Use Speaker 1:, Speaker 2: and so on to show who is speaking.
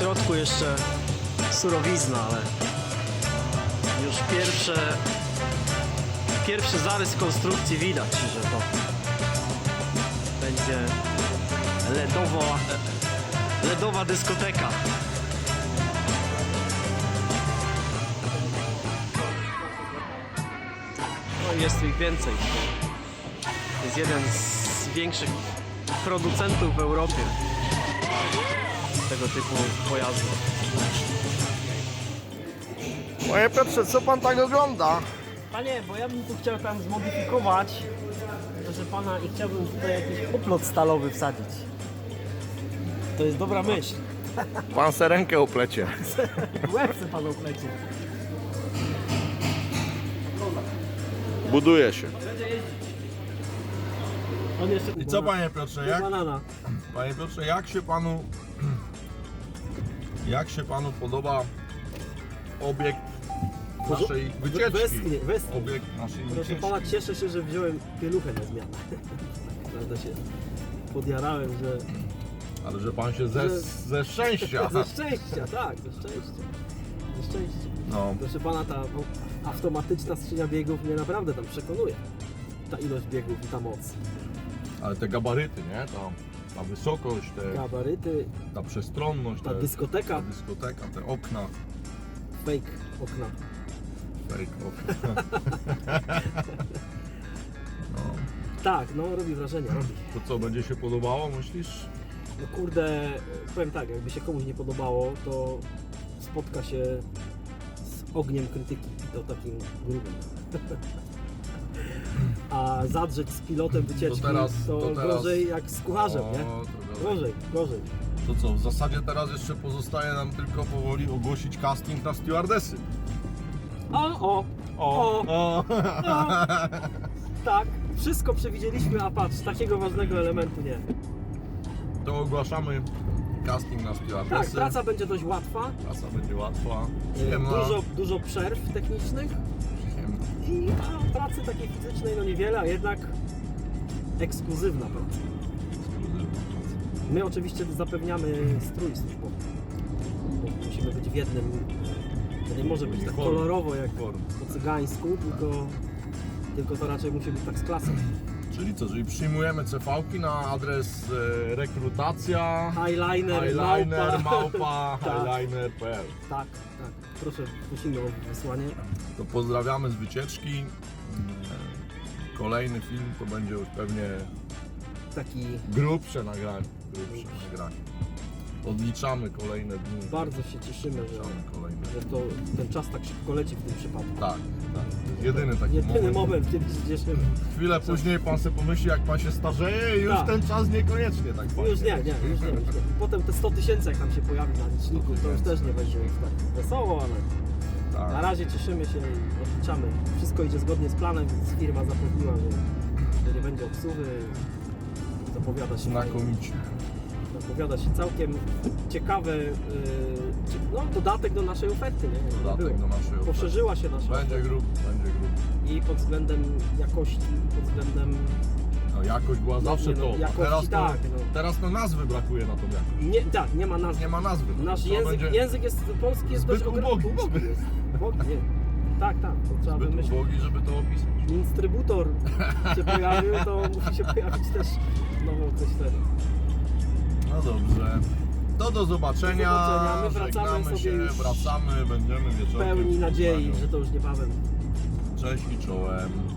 Speaker 1: środku jeszcze surowizna, ale już pierwszy zarys konstrukcji widać, że to będzie LEDowa dyskoteka. No i jest ich więcej. To jest jeden z większych producentów w Europie tego typu pojazdów.
Speaker 2: Panie Piotrze, co pan tak ogląda?
Speaker 1: Panie, bo ja bym tu chciał tam zmodyfikować, proszę pana, i chciałbym tutaj jakiś oplot stalowy wsadzić. To jest dobra myśl.
Speaker 2: Pan se rękę uplecie.
Speaker 1: Łeb chce pan oplecieć.
Speaker 2: Buduje się.
Speaker 1: On jeszcze
Speaker 2: I co panie Piotrze, jak?
Speaker 1: banana.
Speaker 2: Panie Piotrze, jak się panu podoba obiekt naszej wycieczki?
Speaker 1: Westchnie.
Speaker 2: Obiekt naszej
Speaker 1: Proszę
Speaker 2: wycieczki.
Speaker 1: pana, cieszę się, że wziąłem pieluchę na zmianę. Prawda się podjarałem, że...
Speaker 2: Ale że pan się ze szczęścia.
Speaker 1: Ze szczęścia, tak, ze szczęścia. Ze szczęścia.
Speaker 2: No,
Speaker 1: Proszę pana, ta automatyczna skrzynia biegów mnie naprawdę tam przekonuje. Ta ilość biegów i ta moc.
Speaker 2: ale te gabaryty, nie? Ta wysokość,
Speaker 1: Gabaryty,
Speaker 2: ta przestronność,
Speaker 1: ta dyskoteka,
Speaker 2: te okna.
Speaker 1: fake okna.
Speaker 2: Fake okna. No.
Speaker 1: Tak, no robi wrażenie, robi.
Speaker 2: To co, będzie się podobało, myślisz?
Speaker 1: No kurde, powiem tak, jakby się komuś nie podobało, to spotka się z ogniem krytyki i to takim grubym. A zadrzeć z pilotem wycieczki to gorzej jak z kucharzem, nie? Gorzej.
Speaker 2: To co, w zasadzie teraz jeszcze pozostaje nam tylko powoli ogłosić casting na stewardesy.
Speaker 1: O. Tak, wszystko przewidzieliśmy, a patrz, takiego ważnego elementu nie.
Speaker 2: To ogłaszamy casting na
Speaker 1: Tak,
Speaker 2: stewardesy.
Speaker 1: praca będzie dość łatwa.
Speaker 2: Praca będzie łatwa, przyjemna.
Speaker 1: Dużo przerw technicznych i pracy takiej fizycznej no niewiele, a jednak ekskluzywna praca. My oczywiście zapewniamy strój służbowy. Bo musimy być w jednym. To nie może być tak kolorowo jak po cygańsku, tylko to raczej musi być tak z klasą.
Speaker 2: Czyli co, czyli przyjmujemy CV-ki na adres rekrutacja
Speaker 1: Highliner,
Speaker 2: highliner.pl.
Speaker 1: Tak. Proszę, prosimy o wysłanie.
Speaker 2: To pozdrawiamy z wycieczki. Kolejny film to będzie już pewnie
Speaker 1: Taki
Speaker 2: grubsze nagranie. Odliczamy kolejne dni.
Speaker 1: bardzo się cieszymy, że ten czas tak szybko leci w tym przypadku.
Speaker 2: Tak. Jedyny taki
Speaker 1: moment, kiedy się cieszymy.
Speaker 2: Chwilę później pan sobie pomyśli, jak pan się starzeje i już
Speaker 1: Tak.
Speaker 2: ten czas niekoniecznie tak fajnie.
Speaker 1: Już nie. Potem te 100 000 jak tam się pojawi na liczniku, to już też nie będzie już tak wesoło, ale
Speaker 2: Tak.
Speaker 1: na razie cieszymy się i odliczamy. Wszystko idzie zgodnie z planem, więc firma zapewniła, że nie będzie obsługi. Zapowiada się całkiem ciekawy dodatek do naszej oferty, nie?
Speaker 2: Dodatek do naszej oferty.
Speaker 1: Poszerzyła się nasza
Speaker 2: Będzie grub.
Speaker 1: i pod względem jakości, pod względem...
Speaker 2: No jakość była zawsze to. A
Speaker 1: jakości,
Speaker 2: teraz to nazwy brakuje na tą jakość.
Speaker 1: Nie ma nazwy.
Speaker 2: Nie ma nazwy.
Speaker 1: Nasz
Speaker 2: Trzeba
Speaker 1: język jest polski, jest
Speaker 2: zbyt
Speaker 1: dość
Speaker 2: ubogi.
Speaker 1: jest. Ubogi, nie. Tak, to trzeba
Speaker 2: Zbyt
Speaker 1: wymyślić.
Speaker 2: ubogi, żeby to opisać.
Speaker 1: Instrybutor się pojawił, to musi się pojawić też nową coś wtedy.
Speaker 2: No dobrze. To do zobaczenia.
Speaker 1: My wracamy
Speaker 2: Żegnamy
Speaker 1: sobie
Speaker 2: się,
Speaker 1: już
Speaker 2: wracamy, będziemy wieczorem.
Speaker 1: pełni
Speaker 2: w
Speaker 1: nadziei,
Speaker 2: Poznaniu.
Speaker 1: że to już niebawem.
Speaker 2: Cześć i czołem.